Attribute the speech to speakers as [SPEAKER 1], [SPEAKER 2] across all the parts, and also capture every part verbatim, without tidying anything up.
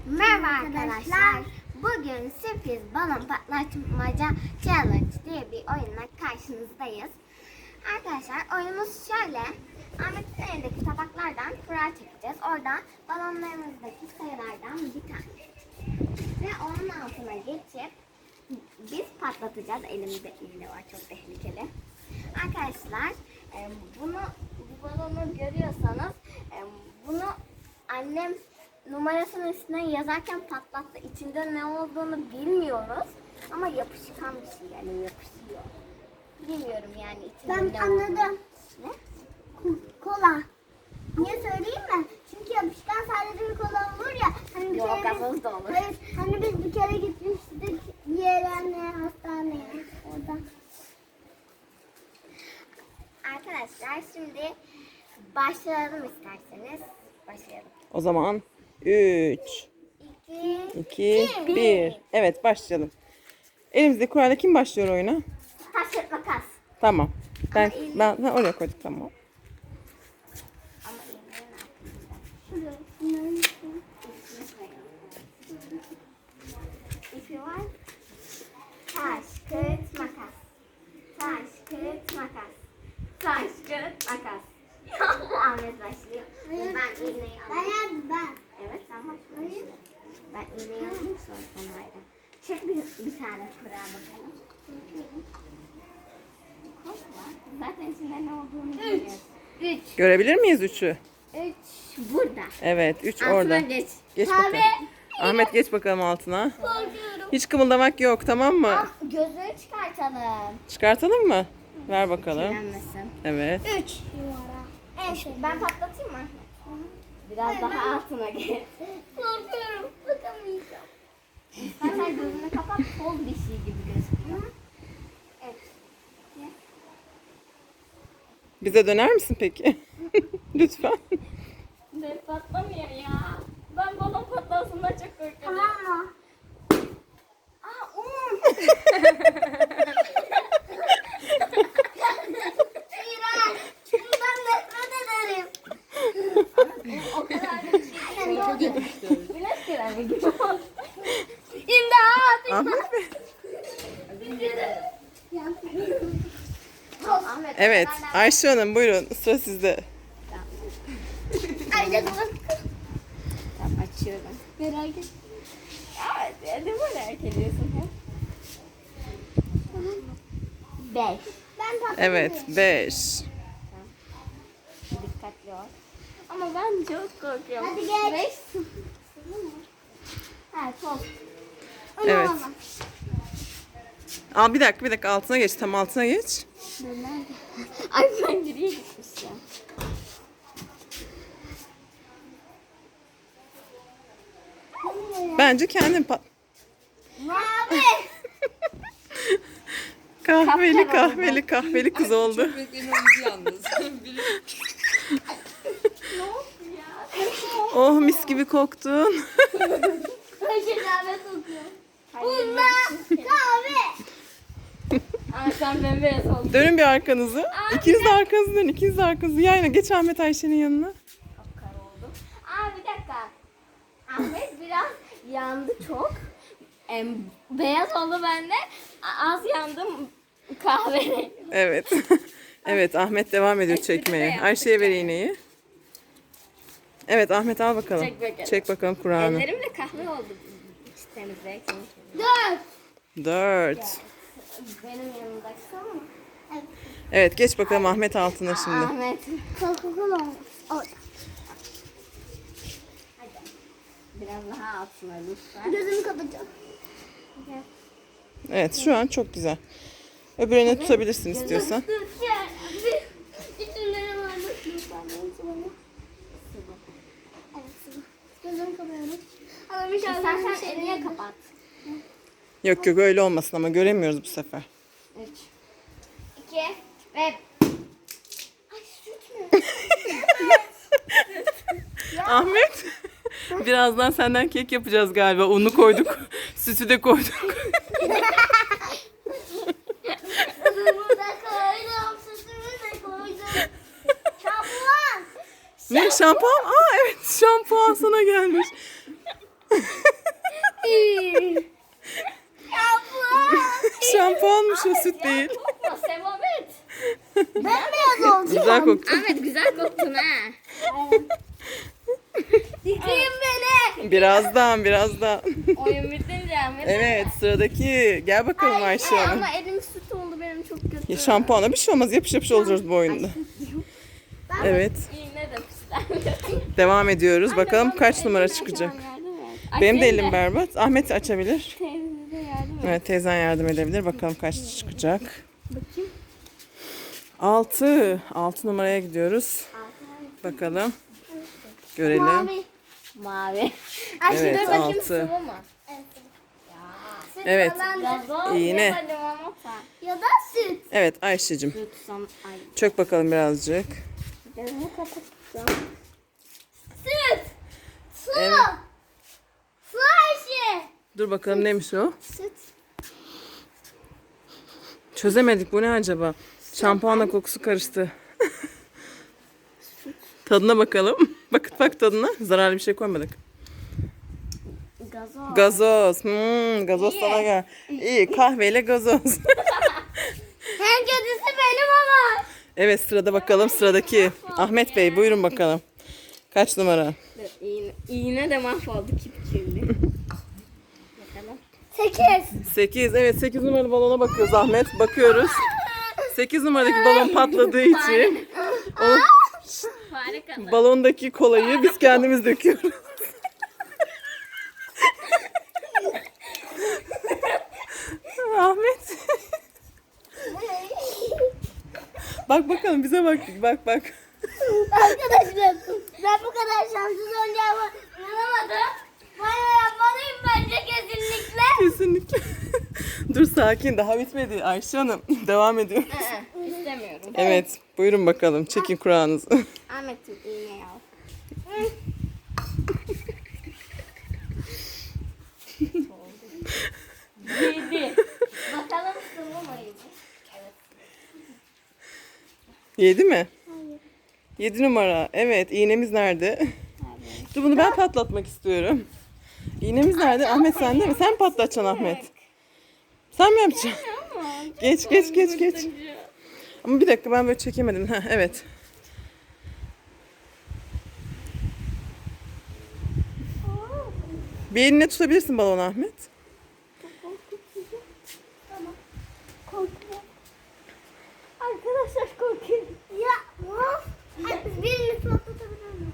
[SPEAKER 1] Merhaba arkadaşlar. Bugün sürpriz balon patlatmaca challenge diye bir oyunla karşınızdayız. Arkadaşlar oyunumuz şöyle. Ahmet'in elindeki tabaklardan kura çekeceğiz. Orada balonlarımızdaki sayılardan bir tane. Ve onun altına geçip biz patlatacağız. Elimde iğne var, çok tehlikeli. Arkadaşlar e, bunu bu balonu görüyorsanız e, bunu annem numarasının üstüne yazarken patlattı. İçinde ne olduğunu bilmiyoruz. Ama yapışkan bir şey, yani yapışıyor. Bilmiyorum yani içinde
[SPEAKER 2] Ben
[SPEAKER 1] ne
[SPEAKER 2] anladım.
[SPEAKER 1] olduğunu. Ne?
[SPEAKER 2] Kola. Niye söyleyeyim mi? Çünkü yapışkan sadece bir kola olur ya. Hani bir
[SPEAKER 1] Yok,
[SPEAKER 2] kere biz-
[SPEAKER 1] gazoz da olur.
[SPEAKER 2] Hayır, hani biz bir kere gitmiştik yerine, hastaneye. Orada.
[SPEAKER 1] Arkadaşlar şimdi başlayalım isterseniz. Başlayalım.
[SPEAKER 3] O zaman üç,
[SPEAKER 1] İki,
[SPEAKER 3] iki,
[SPEAKER 1] bir.
[SPEAKER 3] bir. Evet, başlayalım. Elimizde kurayla kim başlıyor oyuna?
[SPEAKER 1] taş kağıt makas.
[SPEAKER 3] Tamam. Ben
[SPEAKER 1] Ama iyi.
[SPEAKER 3] ben ha, oraya koyduk, tamam.
[SPEAKER 1] Ama iğnenin altında.
[SPEAKER 2] Şuraya. Bunların üstüne.
[SPEAKER 1] İpi var. Taş, kağıt, makas. Taş, kağıt, makas. Taş, kağıt, makas. Ahmet başlıyor.
[SPEAKER 2] Hayır.
[SPEAKER 1] Ben iğneyi
[SPEAKER 2] Ben
[SPEAKER 1] alayım.
[SPEAKER 2] yaptım ben.
[SPEAKER 1] Evet, sen başlıyorsun. Ben iğneyi alayım, sonra sen haydi. Çek bir, bir tane kura bakalım. Korkma. Zaten içinde ne olduğunu biliyoruz. Üç.
[SPEAKER 3] Görebilir miyiz üçü?
[SPEAKER 1] Üç burada.
[SPEAKER 3] Evet, üç
[SPEAKER 1] Altına
[SPEAKER 3] orada.
[SPEAKER 1] geç.
[SPEAKER 3] Geç
[SPEAKER 1] Kahve.
[SPEAKER 3] bakalım. Ahmet geç bakalım altına.
[SPEAKER 1] Korkuyorum.
[SPEAKER 3] Hiç kımıldamak yok, tamam mı?
[SPEAKER 1] Al, gözleri çıkartalım.
[SPEAKER 3] Çıkartalım mı? Ver bakalım.
[SPEAKER 1] Kirlenmesin.
[SPEAKER 3] Evet.
[SPEAKER 1] Üç.
[SPEAKER 2] Numara.
[SPEAKER 1] Evet, ben patlatayım mı? Biraz daha altına gel. Korkuyorum. Bakamayacağım. İstersen gözünü kapat. Kol bir şey gibi gözüküyor. Evet.
[SPEAKER 3] Bize döner misin peki? Lütfen.
[SPEAKER 1] Ben patlamıyor ya. Ben balon patlasından çok korkuyorum.
[SPEAKER 2] Tamam mı?
[SPEAKER 1] Aa, un.
[SPEAKER 2] İğrenç. Bundan nefret ederim.
[SPEAKER 1] O kadar da şey değil. Güneş kremi gibi. İmdat!
[SPEAKER 3] Ahmet Bey.
[SPEAKER 1] Ahmet,
[SPEAKER 3] Evet,
[SPEAKER 1] ben-
[SPEAKER 3] Ayşe Hanım buyurun, sıra sizde.
[SPEAKER 2] Ayrıca dur.
[SPEAKER 1] Tamam, açıyorum.
[SPEAKER 2] Merak etme.
[SPEAKER 1] Aa, ne merak ediyorsun hep? Beş.
[SPEAKER 2] Ben tatlı.
[SPEAKER 3] Evet, beş.
[SPEAKER 1] Dikkatli ol. Ama ben çok korkuyorum.
[SPEAKER 2] Hadi geç.
[SPEAKER 1] Beş. Ha, çok.
[SPEAKER 3] Evet. Al bir dakika, bir dakika altına geç, tam altına geç.
[SPEAKER 1] Ay, ben geriye gitmişim.
[SPEAKER 3] Bence kendin pat...
[SPEAKER 2] Mavi.
[SPEAKER 3] Kahveli kahveli kahveli kız oldu. Oh, mis gibi koktun.
[SPEAKER 2] Şerbet kokuyor.
[SPEAKER 1] Hayır,
[SPEAKER 2] Kahve.
[SPEAKER 1] Aa, sen bembeyaz oldun.
[SPEAKER 3] Dönün bir arkanızı. İkiniz de arkanızı dönün. İkiniz de arkanızı yayına. Geç Ahmet Ayşe'nin yanına.
[SPEAKER 1] Kar oldu. Aa, bir dakika. Ahmet biraz yandı çok. Em, beyaz oldu bende. A- Az yandım kahverengi.
[SPEAKER 3] Evet. Evet, Ahmet devam ediyor çekmeye. Ayşe'ye ver iğneyi. Evet, Ahmet al bakalım.
[SPEAKER 1] Çek bakalım.
[SPEAKER 3] Çek bakalım Kur'an'ı.
[SPEAKER 1] Ellerim de kahve oldu. Temizleyek seni.
[SPEAKER 2] Dört.
[SPEAKER 3] Dört.
[SPEAKER 1] Benim yanımdaysın ama.
[SPEAKER 3] Evet, geç bakalım Ahmet altına şimdi.
[SPEAKER 1] Ahmet.
[SPEAKER 2] Coca-Cola olmuş. Orada.
[SPEAKER 1] Hadi. Biraz daha altına lütfen.
[SPEAKER 2] Gözümü kapatacağım.
[SPEAKER 3] Evet, şu an çok güzel. Öbürüne tutabilirsin istiyorsan.
[SPEAKER 2] İçimde var mı? Lütfen beni sıvı. Evet sıvı. Gözümü kapatıyorum. Ama bir şey
[SPEAKER 1] İstersen elini kapat.
[SPEAKER 3] Yok yok, öyle olmasın ama göremiyoruz bu sefer.
[SPEAKER 1] Üç. İki. Ve...
[SPEAKER 2] Ay süt mü?
[SPEAKER 3] Ahmet, birazdan senden kek yapacağız galiba. Unu koyduk, sütü de koyduk.
[SPEAKER 2] Sütümü de koydum. Sütümü de koydum. Şampuan.
[SPEAKER 3] Ne şampuan? Aa evet, şampuan sana gelmiş. Şampuanmış o, süt değil.
[SPEAKER 2] Kokma Semavet.
[SPEAKER 1] Bembeyaz oldu.
[SPEAKER 3] Güzel koktu.
[SPEAKER 2] Ahmet güzel koktun ha.
[SPEAKER 1] Yıkayın beni.
[SPEAKER 3] Birazdan birazdan.
[SPEAKER 2] Oyun bitince Ahmet.
[SPEAKER 3] Evet, sıradaki. Gel bakalım Ayşe Hanım.
[SPEAKER 2] Ama elim süt oldu benim çok kötü.
[SPEAKER 3] Ya, şampuana bir şey olmaz. Yapış yapış olacağız bu oyunda. Evet.
[SPEAKER 2] Yine de pislendim.
[SPEAKER 3] Devam ediyoruz. Bakalım kaç numara çıkacak. Benim de elim berbat. Ahmet açabilir.
[SPEAKER 2] Teyze de yardım et.
[SPEAKER 3] Evet, teyzen yardım edebilir. Bakalım kaç çıkacak. Altı. Altı numaraya gidiyoruz. Bakalım. Görelim.
[SPEAKER 2] Mavi.
[SPEAKER 3] Evet,
[SPEAKER 2] Dur bakayım
[SPEAKER 3] altı.
[SPEAKER 2] sıvı mı?
[SPEAKER 3] Evet.
[SPEAKER 2] Gazoz
[SPEAKER 3] İğne.
[SPEAKER 2] ya da limonata.
[SPEAKER 1] Ya da süt.
[SPEAKER 3] Evet Ayşe'cim.
[SPEAKER 2] Süt son. Ay.
[SPEAKER 3] Çök bakalım birazcık.
[SPEAKER 2] Gözümü kapatacağım.
[SPEAKER 1] Süt. Su.
[SPEAKER 3] Evet.
[SPEAKER 1] Su Ayşe.
[SPEAKER 3] Dur bakalım neymiş o?
[SPEAKER 1] Süt.
[SPEAKER 3] Çözemedik. Bu ne acaba? Şampuanla kokusu karıştı. Tadına bakalım. Bakıt bak tadına. Zararlı bir şey koymadık.
[SPEAKER 2] Gazoz.
[SPEAKER 3] Gazoz. Hmm, gazoz sana gel. İyi, kahveyle gazoz.
[SPEAKER 1] En kötüsü benim ama.
[SPEAKER 3] Evet, sırada bakalım sıradaki. Ahmet Bey buyurun bakalım. Kaç numara?
[SPEAKER 2] Dur, İğne, iğne de mahvoldu kipkirli. Bakalım.
[SPEAKER 1] Sekiz.
[SPEAKER 3] sekiz. Evet, sekiz numaralı balona bakıyoruz Ahmet. Bakıyoruz. sekiz numaradaki balon patladığı için o
[SPEAKER 2] Fare kadar.
[SPEAKER 3] balondaki kolayı biz kendimiz döküyoruz. Ahmet. Bak bakalım bize bak. Bak bak.
[SPEAKER 1] Arkadaşlar ben bu kadar şanssız olacağımı inanamadım. Banyo yapmalıyım bence kesinlikle.
[SPEAKER 3] Kesinlikle. Dur sakin, daha bitmedi Ayşe Hanım. Devam ediyoruz.
[SPEAKER 2] Ee, İstemiyorum.
[SPEAKER 3] Evet, buyurun bakalım. Çekin kurağınızı.
[SPEAKER 2] Ahmet'im iğneyi al. Yedi. Bakalım sıvı mıydı? Evet.
[SPEAKER 3] Yedi mi? Yedi numara. Evet, iğnemiz nerede? Dur bunu ben patlatmak istiyorum. İğnemiz nerede? Ahmet sende mi? Sen patlatacaksın Ahmet. Sen mi yapacaksın? Geç geç geç geç. Ama bir dakika ben böyle çekemedim. Heh, evet. Bir eline tutabilirsin balonu Ahmet.
[SPEAKER 1] Korkuyorum. Arkadaşlar korkuyorum. Ya of. Birini patlatabilir miyim?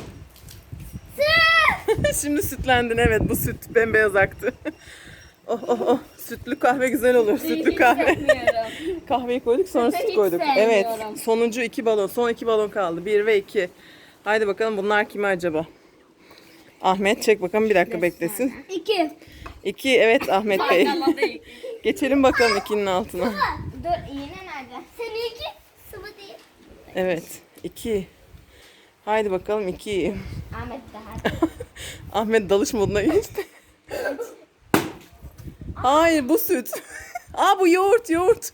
[SPEAKER 1] Süt.
[SPEAKER 3] Şimdi sütlendin, evet, bu süt bembeyaz aktı. Oh oh oh, sütlü kahve güzel olur, sütlü kahve.
[SPEAKER 2] Hissetmiyorum.
[SPEAKER 3] Kahveyi koyduk sonra
[SPEAKER 2] Sütü
[SPEAKER 3] süt
[SPEAKER 2] hiç
[SPEAKER 3] koyduk.
[SPEAKER 2] sevmiyorum.
[SPEAKER 3] Evet, sonuncu iki balon, son iki balon kaldı, bir ve iki. Haydi bakalım bunlar kimi acaba? Ahmet çek bakalım, bir dakika beklesin.
[SPEAKER 1] İki.
[SPEAKER 3] İki, evet Ahmet Bey.
[SPEAKER 2] Baklava değil.
[SPEAKER 3] Geçelim bakalım ikinin altına.
[SPEAKER 2] Dur iğne nerede?
[SPEAKER 1] Seninki sıvı değil.
[SPEAKER 3] Evet, iki. Haydi bakalım iki.
[SPEAKER 2] Ahmet daha.
[SPEAKER 3] Ahmet dalış moduna geçti. Hayır bu süt. Aa bu yoğurt yoğurt.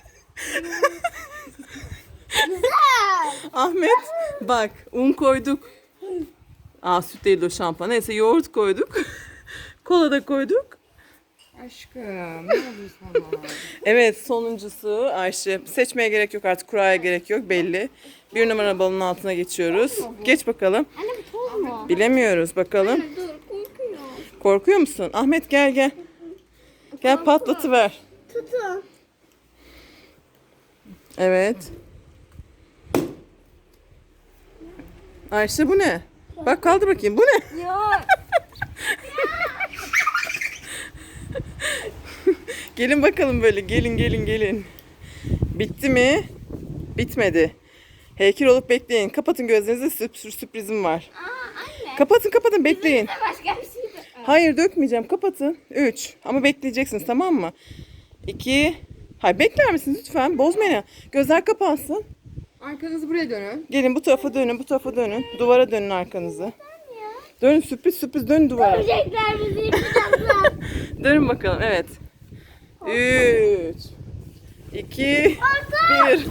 [SPEAKER 1] Güzel.
[SPEAKER 3] Ahmet bak un koyduk. Aa süt değil o şampuan. Neyse yoğurt koyduk. Kola da koyduk.
[SPEAKER 2] Aşkım ne oldu sana?
[SPEAKER 3] Evet sonuncusu Ayşe. Seçmeye gerek yok artık, kuraya gerek yok belli. Bir numara balonun altına geçiyoruz. Geç bakalım.
[SPEAKER 2] Anne bu toz mu?
[SPEAKER 3] Bilemiyoruz bakalım.
[SPEAKER 2] Dur korkuyor.
[SPEAKER 3] Korkuyor musun? Ahmet gel gel. Gel patlatıver.
[SPEAKER 1] Tutun.
[SPEAKER 3] Evet. Ayşe bu ne? Bak kaldır bakayım. Bu ne?
[SPEAKER 2] Yok.
[SPEAKER 3] Gelin bakalım böyle. Gelin gelin gelin. Bitti mi? Bitmedi. Heykel olup bekleyin. Kapatın gözlerinizi. Sürp- sürprizim var.
[SPEAKER 2] Aa anne.
[SPEAKER 3] Kapatın kapatın bekleyin.
[SPEAKER 2] Ne başka bir şey de.
[SPEAKER 3] Hayır dökmeyeceğim. Kapatın. Üç. Ama bekleyeceksiniz tamam mı? İki. Hayır bekler misiniz lütfen? Bozmayın. Gözler kapansın.
[SPEAKER 2] Arkanızı buraya dönün.
[SPEAKER 3] Gelin bu tarafa dönün. Bu tarafa dönün. Duvara dönün arkanızı. Dönün sürpriz sürpriz dönün duvara.
[SPEAKER 1] Görecekler bizi yıkacaklar.
[SPEAKER 3] Dönün bakalım evet. Üç. iki. Bir.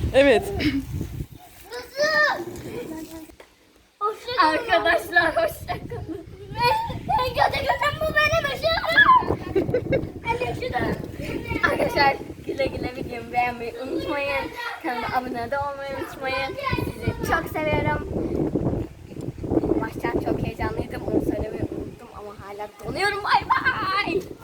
[SPEAKER 3] Evet.
[SPEAKER 2] Arkadaşlar hoşçakalın. Gerçekten bu benim ışığım. Arkadaşlar güle güle videomu beğenmeyi unutmayın. Kanalıma abone de olmayı unutmayın. Sizi çok seviyorum. Baştan çok heyecanlıydım. Onu söylemeyi unuttum ama hala donuyorum. Bay bay.